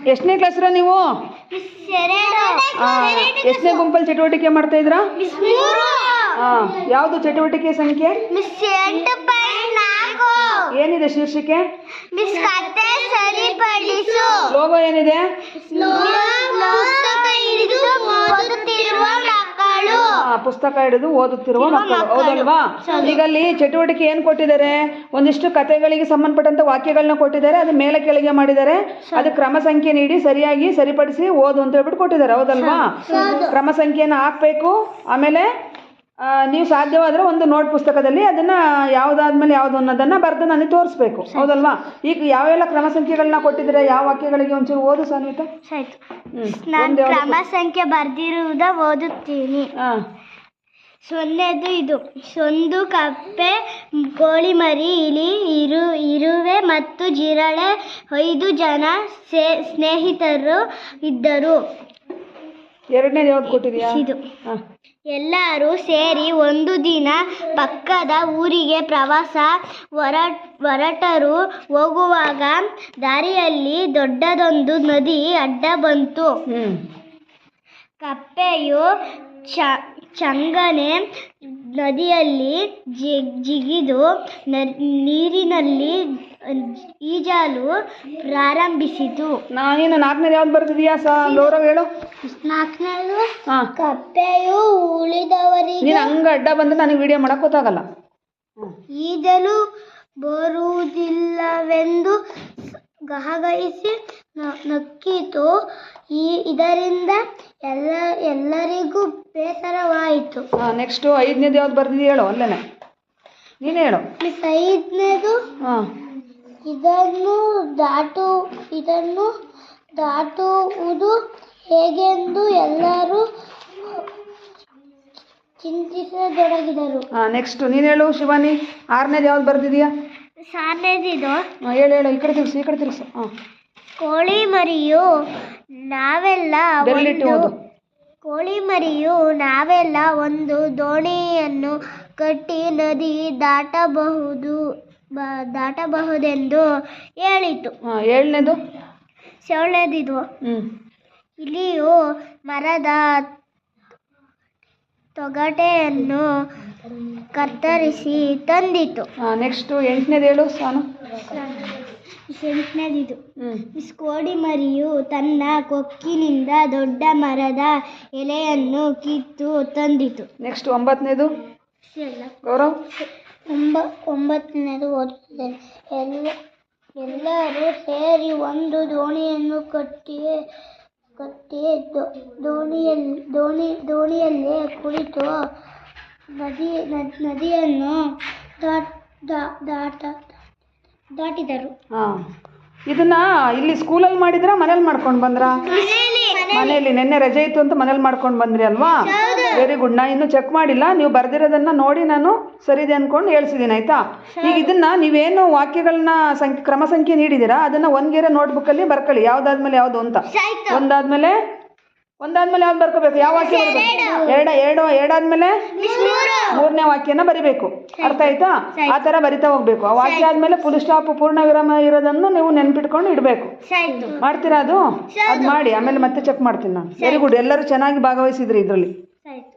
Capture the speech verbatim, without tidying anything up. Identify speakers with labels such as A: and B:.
A: ಎಷ್ಟನೇ ಕ್ಲಾಸ್ರ ನೀವು? ಎಷ್ಟನೇ ಗುಂಪಲ್ಲಿ ಚಟುವಟಿಕೆ ಮಾಡ್ತಾ ಇದ್ರಾ? ಹಾಂ, ಯಾವುದು ಚಟುವಟಿಕೆ ಸಂಖ್ಯೆ? ಏನಿದೆ ಶೀರ್ಷಿಕೆ? ಲೋಗೋ ಏನಿದೆ? ಪುಸ್ತಕ ಹಿಡಿದು ಓದುತ್ತಿರುವ ಮಕ್ಕಳು, ಹೌದಲ್ವಾ? ಈಗ ಅಲ್ಲಿ ಚಟುವಟಿಕೆ ಏನು ಕೊಟ್ಟಿದ್ದಾರೆ? ಒಂದಿಷ್ಟು ಕಥೆಗಳಿಗೆ ಸಂಬಂಧಪಟ್ಟಂತ ವಾಕ್ಯಗಳನ್ನ ಕೊಟ್ಟಿದ್ದಾರೆ. ಅದು ಮೇಲೆ ಕೆಳಗೆ ಮಾಡಿದ್ದಾರೆ. ಅದು ಕ್ರಮ ಸಂಖ್ಯೆ ನೀಡಿ ಸರಿಯಾಗಿ ಸರಿಪಡಿಸಿ ಓದು ಅಂತ ಹೇಳ್ಬಿಟ್ಟು ಕೊಟ್ಟಿದ್ದಾರೆ, ಹೌದಲ್ವಾ? ಕ್ರಮ ಸಂಖ್ಯೆಯನ್ನು ಹಾಕಬೇಕು. ಆಮೇಲೆ ನೀವು ಸಾಧ್ಯವಾದರೆ ಒಂದು ನೋಟ್ ಪುಸ್ತಕದಲ್ಲಿ ಅದನ್ನ ಯಾವುದಾದ್ಮೇಲೆ ಯಾವುದು ಅನ್ನೋದನ್ನ ಬರೆದು ನನಗೆ ತೋರಿಸ್ಬೇಕು, ಹೌದಲ್ವಾ? ಈಗ ಯಾವೆಲ್ಲ ಕ್ರಮ ಸಂಖ್ಯೆಗಳನ್ನ ಕೊಟ್ಟಿದ್ರೆ ಯಾವ ವಾಕ್ಯಗಳಿಗೆ ಒಂಚೂರು ಓದು ಸಾನ್ವಿತ.
B: ನಾನು ಕ್ರಮ ಸಂಖ್ಯೆ ಬರ್ದಿರುವುದ ಓದುತ್ತೀನಿ. ಸೊನ್ನೆದು ಇದು: ಸೊಂದು, ಕಪ್ಪೆ, ಕೋಳಿ ಮರಿ, ಇಲಿ, ಇರು ಇರುವೆ ಮತ್ತು ಜಿರಳೆ. ಐದು ಜನ ಸ್ನೇಹಿತರು ಇದ್ದರು.
A: ಎರಡನೇದು ಯಾವ್ದು ಕೊಟ್ಟಿದ್ಯಾ?
B: ಇದು ಎಲ್ಲರೂ ಸೇರಿ ಒಂದು ದಿನ ಪಕ್ಕದ ಊರಿಗೆ ಪ್ರವಾಸ ಹೊರ ಹೊರಟರು. ಹೋಗುವಾಗ ದಾರಿಯಲ್ಲಿ ದೊಡ್ಡದೊಂದು ನದಿ ಅಡ್ಡ ಬಂತು. ಕಪ್ಪೆಯು ಚ ಚಂಗನೆ ನದಿಯಲ್ಲಿ ಜಿಗಿದು ನೀರಿನಲ್ಲಿ ಈಜಲು ಪ್ರಾರಂಭಿಸಿತು.
A: ನಾನೇನು ನಾಲ್ಕನೇದು ಯಾವ್ದು ಬರ್ತಿದೀಯಾ ಸ ಗೌರವ್ ಹೇಳು.
B: ನಾಲ್ಕನೇದು ಕಪ್ಪೆಯು ಉಳಿದವರಿಗೆ
A: ನೀನು ಹಂಗ ಅಡ್ಡ ಬಂದ್ರೆ ನನಗೆ ವಿಡಿಯೋ ಮಾಡಕ್ ಗೊತ್ತಾಗಲ್ಲ.
B: ಈಜಲು ಬರುವುದಿಲ್ಲವೆಂದು ಗಹಗಹಿಸಿ ನಕ್ಕಿತು. ಈ ಇದರಿಂದ ಎಲ್ಲ ಎಲ್ಲರಿಗೂ ಬೇಸರವಾಯಿತು.
A: ನೆಕ್ಸ್ಟ್ ಐದನೇದು ಯಾವ್ದು ಬರ್ತಿದೀಯ ಹೇಳು. ಅಲ್ಲೇನೆ ನೀನು ಹೇಳು.
B: ಐದನೇದು ಇದನ್ನು ದಾಟು ಇದನ್ನು ದಾಟುವುದು ಹೇಗೆಂದು ಎಲ್ಲರೂ ಚಿಂತಿಸತೊಡಗಿದರು.
A: ನೆಕ್ಸ್ಟ್ ನೀನು ಹೇಳು ಶಿವಾನಿ. ಆರನೇದು ಯಾವ್ದು ಬರ್ತಿದೀಯಾ?
B: ಆರನೇದಿದು
A: ಹೇಳು ಹೇಳು. ಈ ಕಡೆ ತಿರ್ಸು, ಈ ಕಡೆ ತಿರ್ಸು. ಹಾಂ.
B: ಕೋಳಿ ಮರಿಯು ನಾವೆಲ್ಲ
A: ಬೆರಳಿಟ್ಟು
B: ಕೋಳಿ ಮರಿಯು ನಾವೆಲ್ಲ ಒಂದು ದೋಣಿಯನ್ನು ಕಟ್ಟಿ ನದಿ ದಾಟಬಹುದು ದಾಟಬಹುದೆಂದು ಹೇಳಿತು.
A: ಏಳನೇದು
B: ಏಳನೇದಿದು ಇಲಿಯು ಮರದ ತೊಗಟೆಯನ್ನು ಕತ್ತರಿಸಿ ತಂದಿತು.
A: ನೆಕ್ಸ್ಟ್ ಎಂಟನೇದು ಹೇಳು ಸಾನು.
B: ಎಂಟನೇದಿದು ಮಿಸ್ ಕೋಳಿ ಮರಿಯು ತನ್ನ ಕೊಕ್ಕಿನಿಂದ ದೊಡ್ಡ ಮರದ ಎಲೆಯನ್ನು ಕಿತ್ತು ತಂದಿತು.
A: ನೆಕ್ಸ್ಟ್ ಒಂಬತ್ತನೇದು ಗೌರವ್.
B: ಒಂಬ ಒಂಬತ್ತನೇದು ಓದುತ್ತಿದ್ದೇನೆ. ಎಲ್ಲ ಎಲ್ಲರೂ ಸೇರಿ ಒಂದು ದೋಣಿಯನ್ನು ಕಟ್ಟಿ ಕಟ್ಟಿ ದೋಣಿಯಲ್ಲಿ ದೋಣಿ ದೋಣಿಯಲ್ಲೇ ಕುಳಿತು ನದಿ ನದಿಯನ್ನು ದಾಟ ದಾಟಿದರು.
A: ಹಾಂ, ಇದನ್ನ ಇಲ್ಲಿ ಸ್ಕೂಲಲ್ಲಿ ಮಾಡಿದ್ರ ಮನೇಲಿ ಮಾಡ್ಕೊಂಡು ಬಂದ್ರ? ಮನೆಯಲ್ಲಿ ನಿನ್ನೆ ರಜೆ ಇತ್ತು ಅಂತ ಮನೇಲಿ ಮಾಡ್ಕೊಂಡು ಬಂದ್ರಿ ಅಲ್ವಾ? Very good. ನಾ ಇನ್ನೂ ಚೆಕ್ ಮಾಡಿಲ್ಲ. ನೀವು ಬರ್ದಿರೋದನ್ನ ನೋಡಿ ನಾನು ಸರಿದೆ ಅನ್ಕೊಂಡು ಹೇಳ್ಸಿದ್ದೀನಿ, ಆಯ್ತಾ? ಈಗ ಇದನ್ನ ನೀವೇನು ವಾಕ್ಯಗಳನ್ನ ಸಂಖ್ಯೆ ಕ್ರಮ ಸಂಖ್ಯೆ ನೀಡಿದ್ದೀರಾ ಅದನ್ನ ಒಂದ್ಗೆರೆ ನೋಟ್ಬುಕ್ಕಲ್ಲಿ ಬರ್ಕೊಳ್ಳಿ, ಯಾವ್ದಾದ್ಮೇಲೆ ಯಾವ್ದು ಅಂತ. ಒಂದಾದ್ಮೇಲೆ ಒಂದಾದ್ಮೇಲೆ ಯಾವ್ದು ಬರ್ಕೋಬೇಕು? ಯಾವ ವಾಕ್ಯ ಬರಬೇಕು? ಎರಡ ಎರಡು ಎರಡಾದ್ಮೇಲೆ ಮೂರನೇ ವಾಕ್ಯನ ಬರಿಬೇಕು. ಅರ್ಥ ಆಯ್ತಾ? ಆ ತರ ಬರಿತಾ ಹೋಗ್ಬೇಕು. ಆ ವಾಕ್ಯ ಆದ್ಮೇಲೆ ಫುಲ್ ಸ್ಟಾಪ್ ಪೂರ್ಣ ವಿರಾಮ ಇರೋದನ್ನು ನೀವು ನೆನ್ಪಿಟ್ಕೊಂಡು ಇಡಬೇಕು. ಮಾಡ್ತೀರಾ ಅದು? ಅದು ಮಾಡಿ ಆಮೇಲೆ ಮತ್ತೆ ಚೆಕ್ ಮಾಡ್ತೀನಿ ನಾನು. Very good. ಎಲ್ಲರೂ ಚೆನ್ನಾಗಿ ಭಾಗವಹಿಸಿದ್ರಿ ಇದರಲ್ಲಿ.